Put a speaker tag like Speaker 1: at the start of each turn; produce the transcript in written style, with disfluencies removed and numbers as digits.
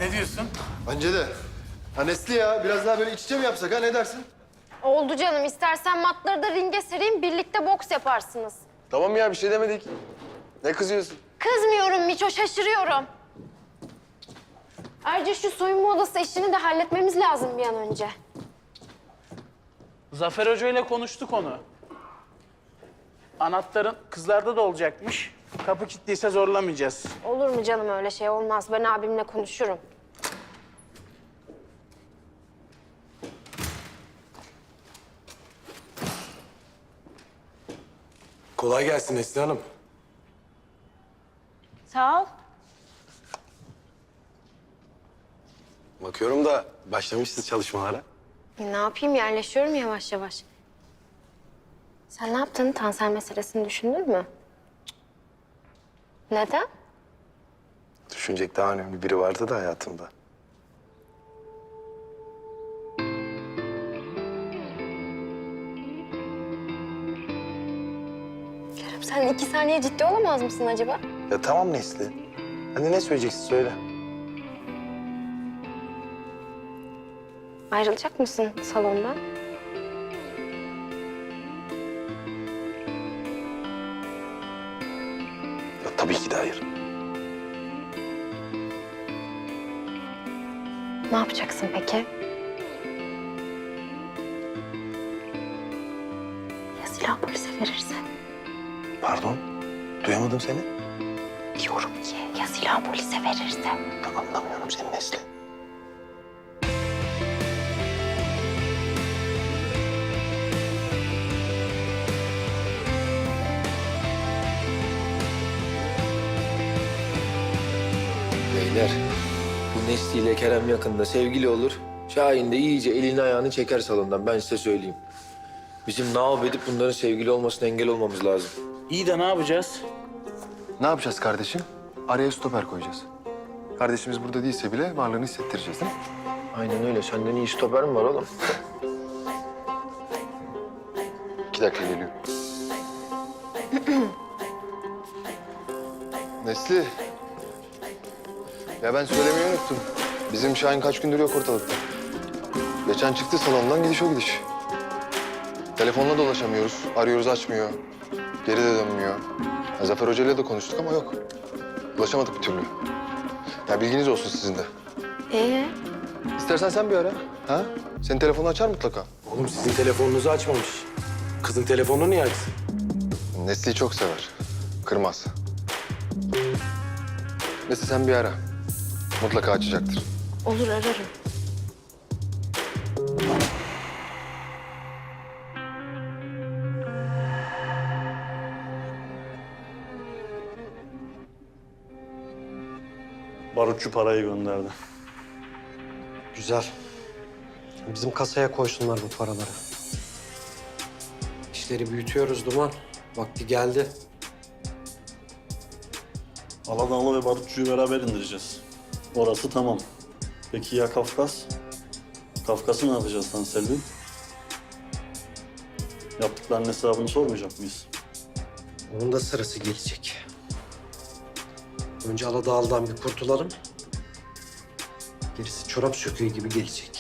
Speaker 1: Ne diyorsun?
Speaker 2: Bence de. Ha Nesli ya, biraz daha böyle iç içe mi yapsak ha, ne dersin?
Speaker 3: Oldu canım. İstersen matları da ringe sereyim, birlikte boks yaparsınız.
Speaker 2: Tamam ya, bir şey demedik. Ne kızıyorsun?
Speaker 3: Kızmıyorum Miço, şaşırıyorum. Ayrıca şu soyunma odası işini de halletmemiz lazım bir an önce.
Speaker 1: Zafer Hoca ile konuştuk onu. Anahtarın kızlarda da olacakmış. Kapı kilitliyse zorlamayacağız.
Speaker 3: Olur mu canım, öyle şey olmaz. Ben abimle konuşurum.
Speaker 4: Kolay gelsin Nesli Hanım.
Speaker 3: Sağ ol.
Speaker 4: Bakıyorum da başlamışsınız çalışmalara.
Speaker 3: Ne yapayım, yerleşiyorum yavaş yavaş. Sen ne yaptın? Tansel meselesini düşündün mü? Neden?
Speaker 4: Düşünecek daha önemli biri vardı da hayatımda.
Speaker 3: Kerem, sen 2 saniye ciddi olamaz mısın acaba?
Speaker 4: Ya tamam Nesli. Hadi ne söyleyeceksin söyle.
Speaker 3: Ayrılacak mısın salondan?
Speaker 4: Ya tabii ki de hayır.
Speaker 3: Ne yapacaksın peki? Ya silah polise verirse?
Speaker 4: Pardon, duyamadım seni.
Speaker 3: Diyorum ki ya silah polise verirse?
Speaker 4: Ya anlamıyorum seni Nesli.
Speaker 5: Beyler, bu Nesli ile Kerem yakında sevgili olur. Şahin de iyice elini ayağını çeker salondan, ben size söyleyeyim. Bizim ne yapıp edip bunların sevgili olmasına engel olmamız lazım.
Speaker 1: İyi de ne yapacağız?
Speaker 2: Ne yapacağız kardeşim? Araya stoper koyacağız. Kardeşimiz burada değilse bile varlığını hissettireceğiz değil mi?
Speaker 5: Aynen öyle. Senden iyi stoper mi var oğlum?
Speaker 2: 2 dakika geliyor. Nesli. Ya ben söylemeyi unuttum. Bizim Şahin kaç gündür yok ortalıkta. Geçen çıktı salondan, gidiş o gidiş. Telefonla da ulaşamıyoruz. Arıyoruz, açmıyor. Geri de dönmüyor. Ya Zafer Hoca ile de konuştuk ama yok. Ulaşamadık bir türlü. Ya bilginiz olsun sizin de. İstersen sen bir ara. Ha? Senin telefonu açar mutlaka.
Speaker 4: Oğlum sizin telefonunuzu açmamış. Kızın telefonunu niye açsın?
Speaker 2: Nesli'yi çok sever. Kırmaz. Neyse sen bir ara. Mutlaka açacaktır.
Speaker 3: Olur, ararım.
Speaker 6: Barutçu parayı gönderdi.
Speaker 7: Güzel. Bizim kasaya koysunlar bu paraları. İşleri büyütüyoruz Duman. Vakti geldi.
Speaker 6: Aladağlı ve Barutçu'yu beraber indireceğiz. Orası tamam. Peki ya Kafkas? Kafkas'ı ne yapacağız lan Selvi? Yaptıklarının hesabını sormayacak mıyız?
Speaker 7: Onun da sırası gelecek. Önce Aladağlı'dan bir kurtulalım. Gerisi çorap söküğü gibi gelecek.